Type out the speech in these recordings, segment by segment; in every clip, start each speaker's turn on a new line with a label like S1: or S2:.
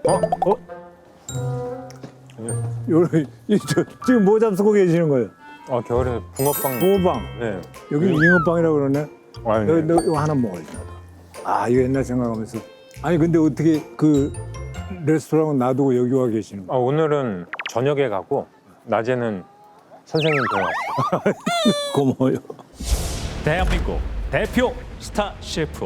S1: 지금 뭐 잡수고 계시는 거예요?
S2: 겨울에 붕어빵.
S1: 붕어빵.
S2: 네.
S1: 여기 잉어빵이라고 그러네.
S2: 네.
S1: 너 이거 하나 먹어야지. 이거 옛날 생각하면서. 아니 근데 어떻게 그 레스토랑은 놔두고 여기 와 계시는 거예요?
S2: 오늘은 저녁에 가고 낮에는 선생님 배워왔어요.
S1: 고마워요.
S3: 대한민국 대표 스타 셰프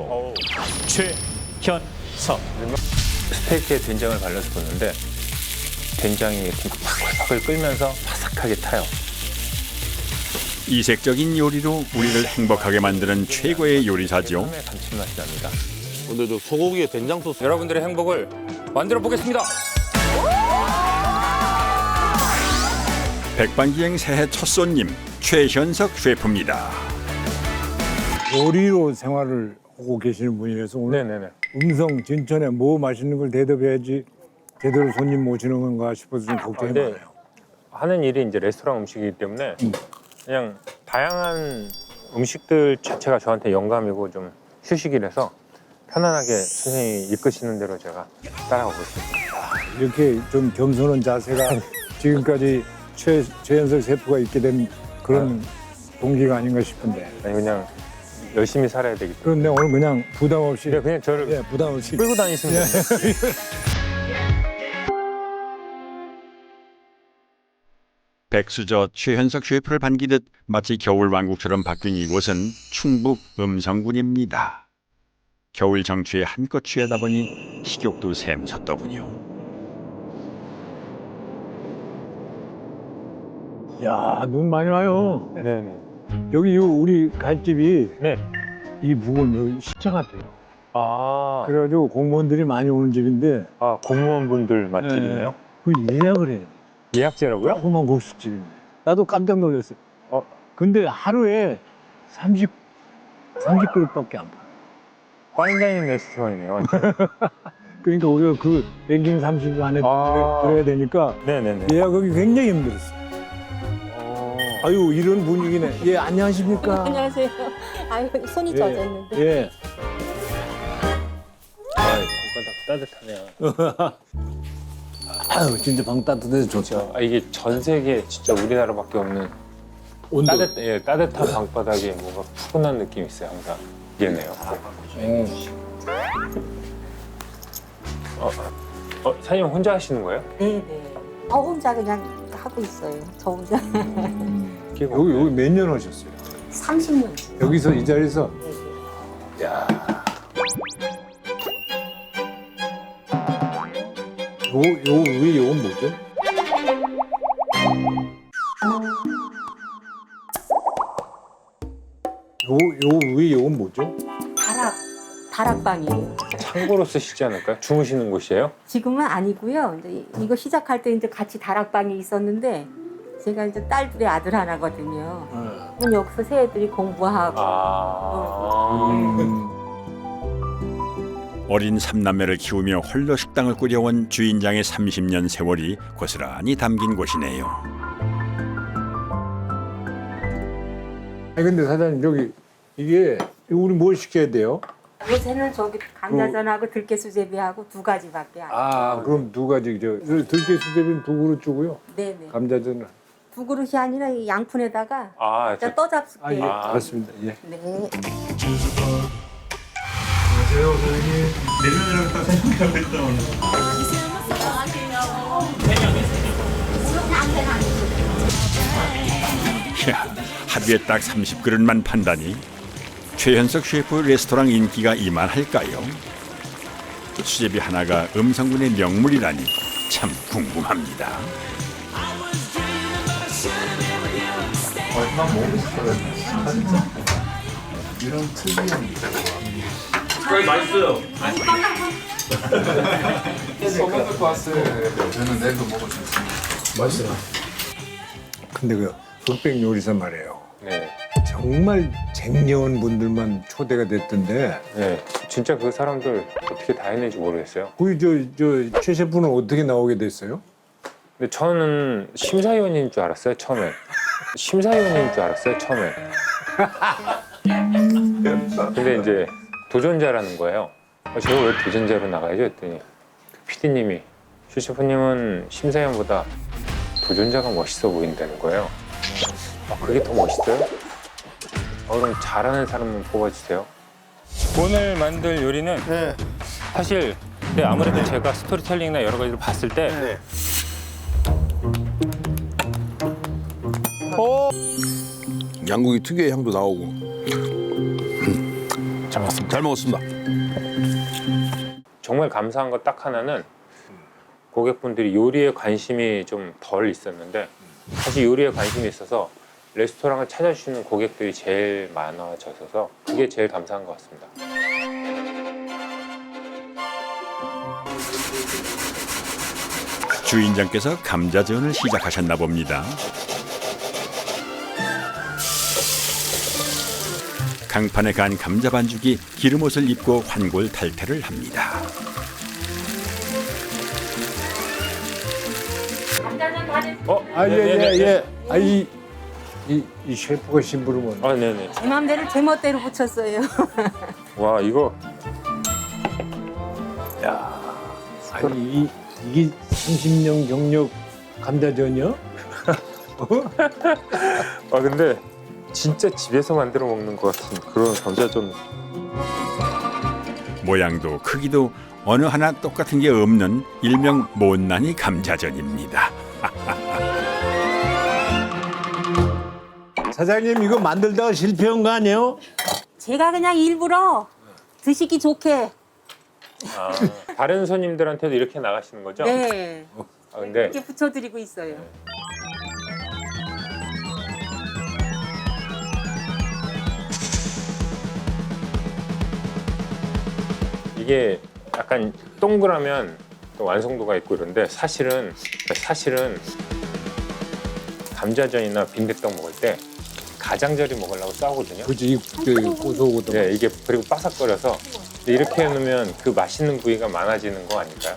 S3: 최현석.
S2: 스테이크에 된장을 발라서 뒀는데 된장이 팍팍팍을 끓면서 바삭하게 타요.
S4: 이색적인 요리로 우리를 행복하게 만드는 최고의 요리사죠.
S2: 처음에 감칠맛이 납니다.
S5: 오늘도 소고기에 된장 소스.
S2: 여러분들의 행복을 만들어 보겠습니다.
S4: 백반기행 새해 첫 손님 최현석 셰프입니다.
S1: 요리로 생활을 하고 계시는 분이라서 오늘
S2: 네네네.
S1: 음성 진천에 뭐 맛있는 걸 대접해야지 제대로 손님 모시는 건가 싶어서 좀 걱정이
S2: 네.
S1: 많아요.
S2: 하는 일이 이제 레스토랑 음식이기 때문에 그냥 다양한 음식들 자체가 저한테 영감이고 좀 휴식이라서 편안하게 선생님이 이끄시는 대로 제가 따라가고 있습니다.
S1: 이렇게 좀 겸손한 자세가 지금까지 최현석 셰프가 있게 된 그런 동기가 아닌가 싶은데.
S2: 아니 그냥 열심히 살아야 되기 때문에.
S1: 그런데 오늘 그냥 부담 없이
S2: 그냥 저를
S1: 부담 없이
S2: 끌고 다니시면 돼요.
S4: 백수저 최현석 셰프를 반기듯 마치 겨울왕국처럼 바뀐 이곳은 충북 음성군입니다. 겨울 정취에 한껏 취하다 보니 식욕도 샘솟더군요.
S1: 야, 눈 많이 와요.
S2: 네네.
S1: 여기 우리 갈 집이
S2: 네.
S1: 이 무거운 여기 시청 같아요.
S2: 아,
S1: 그래가지고 공무원들이 많이 오는 집인데
S2: 공무원분들 맛집이네요.
S1: 그 예약을 해요.
S2: 예약제라고요?
S1: 조그만 국수집. 나도 깜짝 놀랐어요. 근데 하루에 30그릇밖에 안 파.
S2: 파인다이닝 레스토랑이네요.
S1: 그러니까 우리가 그 랭킹 30 안에 들어야 되니까
S2: 네네네.
S1: 예약하기 굉장히 힘들었어요. 아유, 이런 분위기네. 예, 안녕하십니까?
S6: 안녕하세요. 아유, 손이 젖었는데.
S1: 예.
S2: 따뜻하네요.
S1: 아유, 진짜 방 따뜻해서 좋다.
S2: 이게 전 세계 진짜 우리나라밖에 없는
S1: 온도.
S2: 따뜻한 방바닥에 뭔가 푸근한 느낌이 있어요. 항상 얘네요. 사장님 혼자 하시는 거예요?
S6: 네네. 혼자 그냥 하고 있어요. 저 혼자.
S1: 여기 몇 년 하셨어요?
S6: 30년.
S1: 여기서 이 자리에서?
S6: 네네.
S1: 야. 요 위에 요건 뭐죠? 요 위에 요건 뭐죠?
S6: 다락방이에요.
S2: 창고로 쓰시지 않을까요? 주무시는 곳이에요?
S6: 지금은 아니고요. 이제 이거 시작할 때 이제 같이 다락방이 있었는데 제가 이제 딸들의 아들 하나거든요. 그럼 여기서 새 애들이 공부하고.
S4: 어린 삼남매를 키우며 홀로 식당을 꾸려온 주인장의 30년 세월이 고스란히 담긴 곳이네요.
S1: 아니 근데 사장님 저기 이게 우리 뭘 시켜야 돼요?
S6: 요새는 저기 감자전하고 들깨수제비하고 두 가지밖에 안 해요.
S1: 그럼 두 가지 들깨수제비는 두 그릇 주고요.
S6: 네네.
S1: 감자전은
S6: 두 그릇이 아니라 이 양푼에다가
S2: 저
S6: 떠 잡을게요.
S1: 알았습니다. 예.
S6: 네.
S4: 이야, 하루에 딱 30그릇만 판다니 최현석 셰프 레스토랑 인기가 이만할까요? 수제비 하나가 음성군의 명물이라니 참 궁금합니다.
S1: 근데 그 흑백 요리사 말이에요.
S2: 네.
S1: 정말 쟁여운 분들만 초대가 됐던데
S2: 네. 진짜 그 사람들 어떻게 다 해내지 모르겠어요.
S1: 최 셰프는 어떻게 나오게 됐어요?
S2: 근데 저는 심사위원인 줄 알았어요, 처음에. 심사위원인 줄 알았어요, 처음에. 근데 이제 도전자라는 거예요. 제가 왜 도전자로 나가야죠? 했더니 PD님이 슈 셰프님은 심사위원보다 도전자가 멋있어 보인다는 거예요. 그게 더 멋있어요? 그럼 잘하는 사람은 뽑아주세요. 오늘 만들 요리는 사실 아무래도 제가 스토리텔링이나 여러 가지를 봤을 때
S5: 양고기 특유의 향도 나오고. 잘 먹었습니다. 잘 먹었습니다.
S2: 정말 감사한 거 딱 하나는 고객분들이 요리에 관심이 좀 덜 있었는데 사실 요리에 관심이 있어서 레스토랑을 찾아주시는 고객들이 제일 많아져서 그게 제일 감사한 것 같습니다.
S4: 주인장께서 감자전을 시작하셨나 봅니다. 강판에 간 감자 반죽이 기름옷을 입고 환골탈태를 합니다.
S6: 감자전 다 됐어.
S1: 예. 이 셰프가 심부름은
S2: 네네.
S6: 제 맘대로 제 멋대로 붙였어요.
S2: 와 이거
S1: 아니 이게 30년 경력 감자전이요?
S2: 근데 진짜 집에서 만들어 먹는 것 같은 그런 감자전.
S4: 모양도 크기도 어느 하나 똑같은 게 없는 일명 못난이 감자전입니다.
S1: 사장님 이거 만들다가 실패한 거 아니에요?
S6: 제가 그냥 일부러 드시기 좋게.
S2: 다른 손님들한테도 이렇게 나가시는 거죠?
S6: 네.
S2: 근데
S6: 이렇게 붙여드리고 있어요.
S2: 이게 약간 동그라면 또 완성도가 있고 이런데 사실은 감자전이나 빈대떡 먹을 때 가장자리 먹으려고 싸우거든요.
S1: 그지 고소하고도.
S2: 네, 이게 그리고 바삭거려서 이렇게 해놓으면 그 맛있는 부위가 많아지는 거 아닐까요?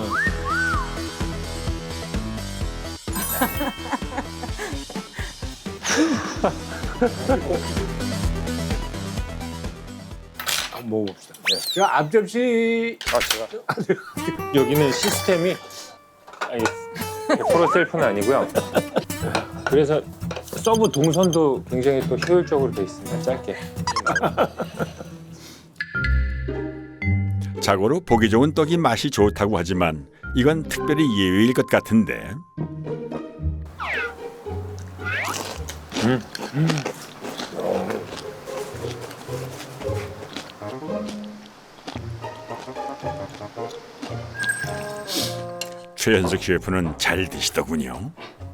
S1: 한번 먹어봅시다. 저 앞접시
S2: 제가 여기는 시스템이 100% 셀프는 아니고요. 그래서 서브 동선도 굉장히 또 효율적으로 돼 있습니다. 짧게.
S4: 자고로 보기 좋은 떡이 맛이 좋다고 하지만 이건 특별히 예외일 것 같은데. 최현석 셰프는 잘 드시더군요.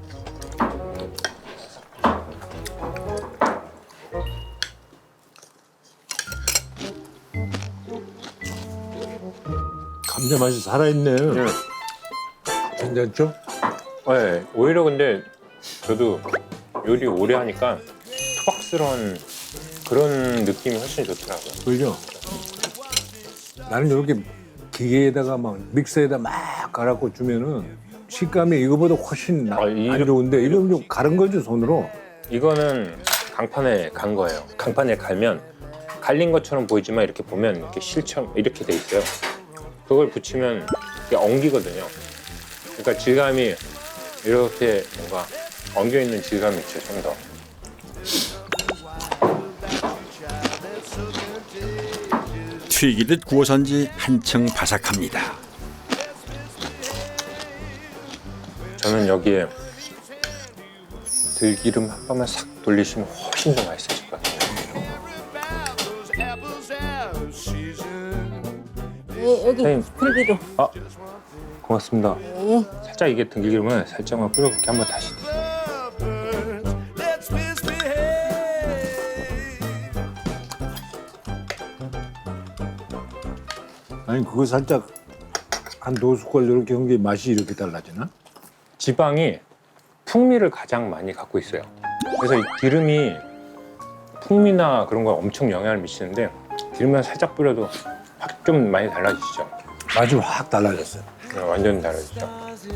S1: 감자 맛이 살아있네.
S2: 네.
S1: 괜찮죠?
S2: 네, 오히려 근데 저도 요리 오래 하니까 투박스러운 그런 느낌이 훨씬 좋더라고요.
S1: 그죠? 나는 이렇게 기계에다가 막 믹서에다 막 갈아고 주면은 식감이 이거보다 훨씬 안 좋은데 이건 좀 갈은 거죠 손으로.
S2: 이거는 강판에 간 거예요. 강판에 갈면 갈린 것처럼 보이지만 이렇게 보면 이렇게 실처럼 이렇게 돼 있어요. 그걸 붙이면 이게 엉기거든요. 그러니까 질감이 이렇게 뭔가 엉겨 있는 질감이 있죠, 좀 더.
S4: 튀기듯 구워선지 한층 바삭합니다.
S2: 저는 여기에 들기름 한 방울 싹 돌리시면 훨씬 더 맛있어질 것 같아요.
S6: 네, 여기
S2: 선생님.
S6: 들기름.
S2: 고맙습니다.
S6: 네.
S2: 살짝 이게 들기름을 살짝만 뿌려볼게. 한번 다시 드세요.
S1: 아니 그거 살짝 한 두 숟갈 이렇게 한 게 맛이 이렇게 달라지나?
S2: 지방이 풍미를 가장 많이 갖고 있어요. 그래서 이 기름이 풍미나 그런 거에 엄청 영향을 미치는데 기름만 살짝 뿌려도 확 좀 많이 달라지시죠?
S1: 맛이 확 달라졌어요.
S2: 네, 완전 달라지죠.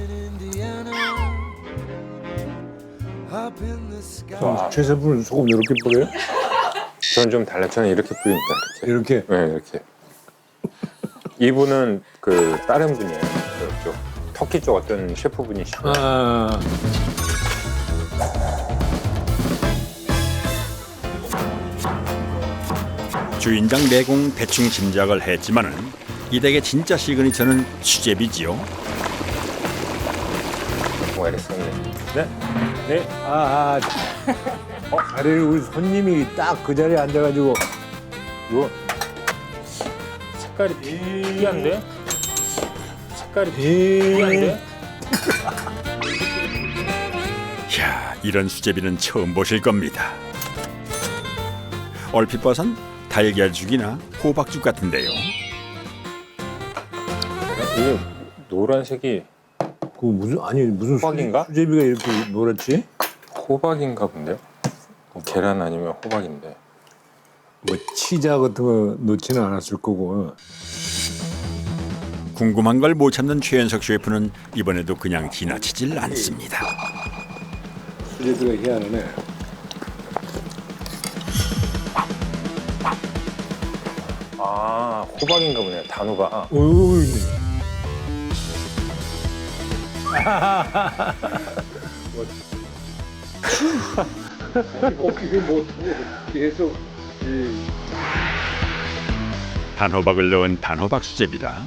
S1: 최 셰프는 소금 이렇게 뿌려요?
S2: 저는 좀 달라. 저는 이렇게 뿌립니다. 이렇게.
S1: 이렇게?
S2: 네, 이렇게. 이분은 그 다른 분이에요. 그쪽 터키 쪽 어떤 셰프분이시고
S1: 아,
S4: 주인장 내공 대충 짐작을 했지만은 이 댁의 진짜 시그니처는 수제비지요.
S2: 뭐가 이랬었는데. 네? 네?
S1: 자리를 우리 손님이 딱 그 자리에 앉아가지고
S2: 이거 색깔이 특이한데? 색깔이 특이한데?
S4: 이야, 이런 수제비는 처음 보실 겁니다. 얼핏 봐선 달걀죽이나 호박죽 같은데요.
S2: 이게 노란색이
S1: 그 무슨
S2: 호박인가?
S1: 수제비가 이렇게 노랗지?
S2: 호박인가 본데요? 계란 아니면 호박인데.
S1: 뭐 치자 같은 거 넣지는 않았을 거고.
S4: 궁금한 걸 못 참는 최현석 셰프는 이번에도 그냥 지나치질 않습니다.
S1: 수제비가 희한하네.
S2: 아, 호박인가 보네요. 단호박.
S1: 어우,
S4: 단호박을 넣은 단호박 수제비라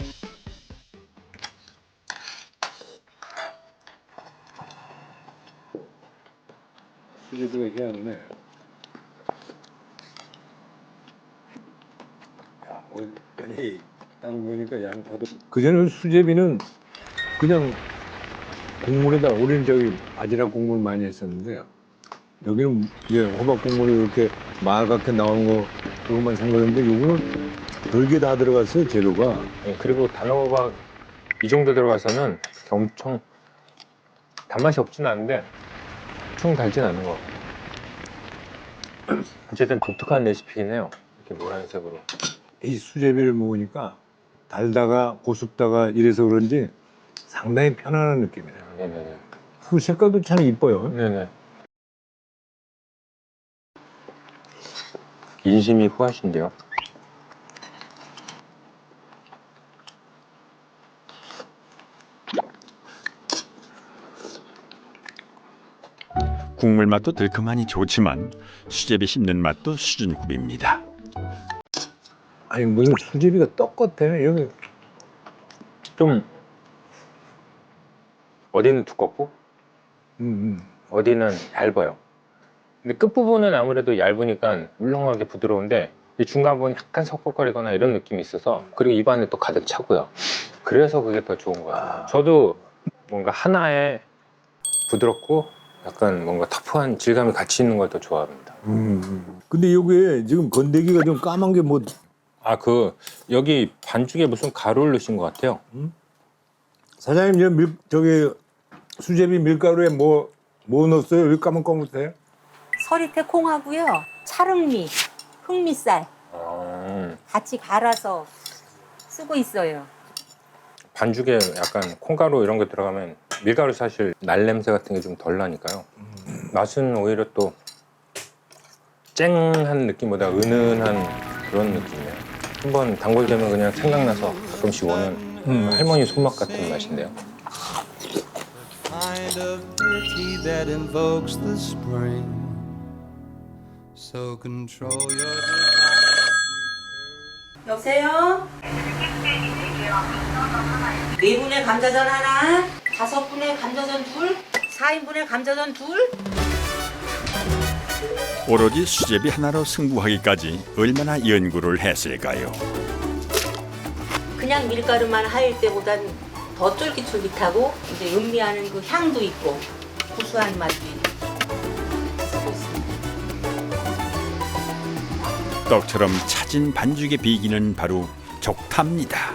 S1: 수제비가 희한하네. 야, 딱 보니까 양파도. 그전에 수제비는 그냥 국물에다 우리는 저기 바지락 국물 많이 했었는데 여기는 이제 호박 국물이 이렇게 말갛게 나오는 거 그것만 산 거였는데 요거는 별게 다 들어갔어요 재료가.
S2: 네, 그리고 단호박 이 정도 들어가서는 엄청 단맛이 없진 않은데 엄청 달진 않은 것 같아요. 어쨌든 독특한 레시피긴 해요. 이렇게 노란색으로.
S1: 이 수제비를 먹으니까 달다가 고습다가 이래서 그런지 상당히 편안한 느낌이에요.
S2: 네네네.
S1: 그 색깔도 참 이뻐요.
S2: 네네. 인심이 후하신데요.
S4: 국물 맛도 들큼하니 좋지만 수제비 씹는 맛도 수준급입니다.
S1: 아니 무슨 수제비가 떡 같아. 여기
S2: 좀 어디는 두껍고 어디는 얇아요. 근데 끝부분은 아무래도 얇으니까 물렁하게 부드러운데 이 중간 부분 약간 석석거리거나 이런 느낌이 있어서 그리고 입안에 또 가득 차고요. 그래서 그게 더 좋은 거예요. 저도 뭔가 하나에 부드럽고 약간 뭔가 터프한 질감이 같이 있는 걸 더 좋아합니다.
S1: 근데 여기에 지금 건더기가 좀 까만 게 뭐
S2: 아, 여기 반죽에 무슨 가루를 넣으신 것 같아요.
S1: 사장님 저기 수제비 밀가루에 뭐 넣었어요? 왜 까만까만해?
S6: 서리태 콩하고요. 찰흑미, 흑미쌀 같이 갈아서 쓰고 있어요.
S2: 반죽에 약간 콩가루 이런 게 들어가면 밀가루 사실 날 냄새 같은 게 좀 덜 나니까요. 맛은 오히려 또 쨍한 느낌보다 은은한 그런 느낌이에요. 한번 단골되면 그냥 생각나서 가끔씩 오는 할머니 손맛 같은 맛인데요.
S7: Kind of pity that invokes the spring. So control your desire.
S6: 여보세요? 4분의 감자전 하나, 5분의 감자전 둘, 4인분의 감자전 둘.
S4: 오로지 수제비 하나로 승부하기까지 얼마나 연구를 했을까요?
S6: 그냥 밀가루만 하일 때보단 더 쫄깃쫄깃하고 이제 음미하는 그 향도 있고 구수한 맛도 있고 쓰고 있습니다.
S4: 떡처럼 차진 반죽의 비기는 바로 족타입니다.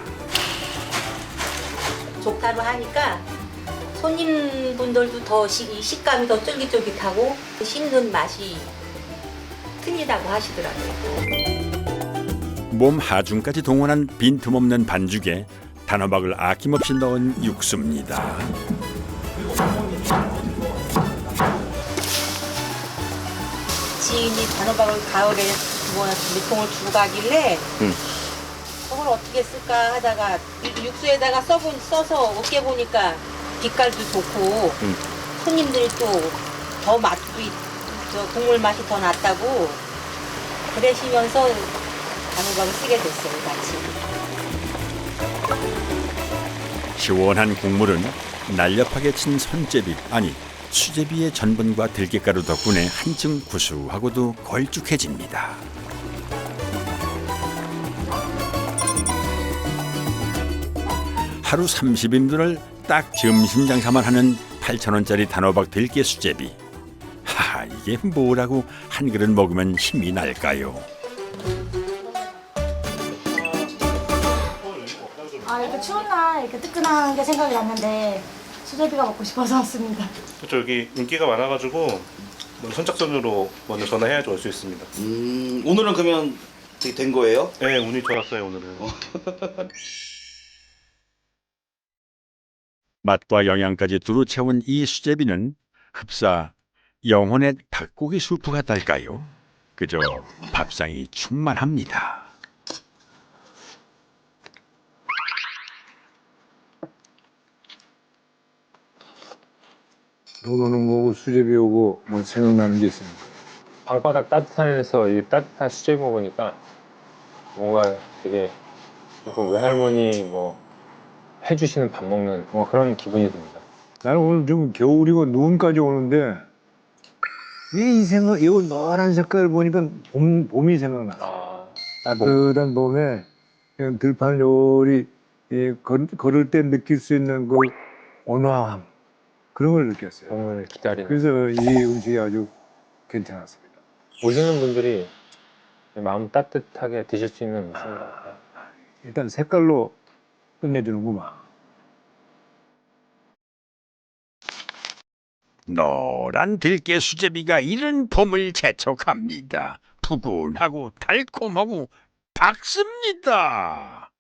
S6: 족타로 하니까 손님분들도 더 이 식감이 더 쫄깃쫄깃하고 씹는 맛이 틀리다고 하시더라고요.
S4: 몸 하중까지 동원한 빈틈없는 반죽에 단호박을 아낌없이 넣은 육수입니다.
S6: 지인이 단호박을 가을에 몇 통을 주고 가길래 뭘 어떻게 쓸까 하다가 육수에다가 써서 으깨 보니까 빛깔도 좋고 손님들이 또 더 맛도 저 국물 맛이 더 낫다고 그러시면서 단호박을 쓰게 됐어요, 같이.
S4: 시원한 국물은 날렵하게 친 손제비 아니 수제비의 전분과 들깨가루 덕분에 한층 구수하고도 걸쭉해집니다. 하루 30인분을 딱 점심 장사만 하는 8,000원짜리 단호박 들깨 수제비. 하하, 이게 뭐라고 한 그릇 먹으면 힘이 날까요?
S8: 아, 이렇게 추운 날 이렇게 뜨끈한 게 생각이 났는데 수제비가 먹고 싶어서 왔습니다.
S9: 그렇죠. 여기 인기가 많아가지고 먼저 선착순으로 먼저 전화해야지 올 수 있습니다.
S10: 오늘은 그러면 되게 된 거예요?
S9: 네, 운이 좋았어요 오늘은.
S4: 맛과 영양까지 두루 채운 이 수제비는 흡사 영혼의 닭고기 수프 같달까요? 그저 밥상이 충만합니다.
S1: 돈 오는 거고 수제비 오고 뭐 생각나는 게 있습니까?
S2: 방바닥 따뜻한 데서 이 따뜻한 수제비 먹으니까 뭔가 되게 그 외할머니 뭐 해주시는 밥 먹는 뭐 그런 기분이 듭니다.
S1: 나는 오늘 좀 겨울이고 눈까지 오는데 이 노란 색깔을 보니까 봄이 생각나. 따뜻한 봄에 그냥 들판 요리 걸을 때 느낄 수 있는 그 온화함 그런 걸 느꼈어요.
S2: 봄을 기다리는.
S1: 그래서 이 음식이 아주 괜찮았습니다.
S2: 오시는 분들이 마음 따뜻하게 드실 수 있는 음식인 것 같아요.
S1: 일단 색깔로 끝내주는구만.
S4: 노란 들깨 수제비가 이른 봄을 재촉합니다. 푸근하고 달콤하고 박습니다.